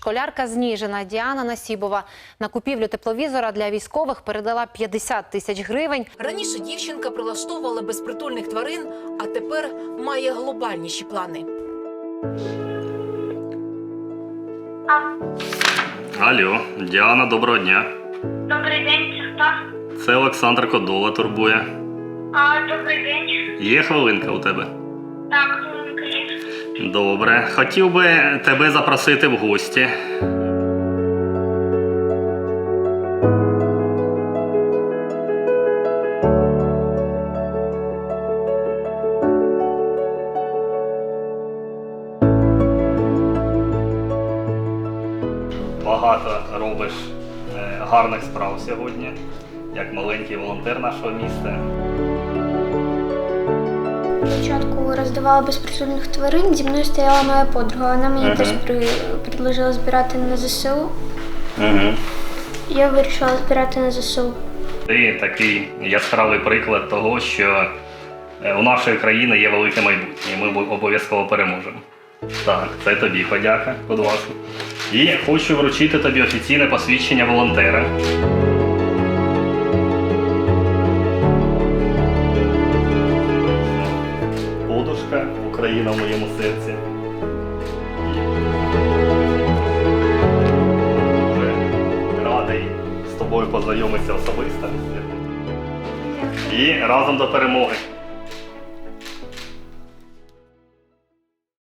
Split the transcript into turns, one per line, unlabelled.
Школярка з Ніжина Діана Насібова на купівлю тепловізора для військових передала 50 тисяч гривень.
Раніше дівчинка прилаштовувала безпритульних тварин, а тепер має глобальніші плани.
Алло, Діана, доброго дня.
Добрий день, це хто?
Це Олександр Кодола турбує.
Добрий день.
Є хвилинка у тебе?
Так, хвилинка є.
Добре. Хотів би тебе запросити в гості. Багато робиш гарних справ сьогодні, як маленький волонтер нашого міста.
Спочатку роздавала безпритульних тварин, зі мною стояла моя подруга. Вона мені теж предложила збирати на ЗСУ. Я вирішила збирати на ЗСУ.
Ти такий яскравий приклад того, що у нашої країни є велике майбутнє, і ми обов'язково переможемо. Так, це тобі подяка, будь ласка. І хочу вручити тобі офіційне посвідчення волонтера. Подушка «Україна в моєму серці». Дуже радий з тобою познайомитися особисто. І разом до перемоги.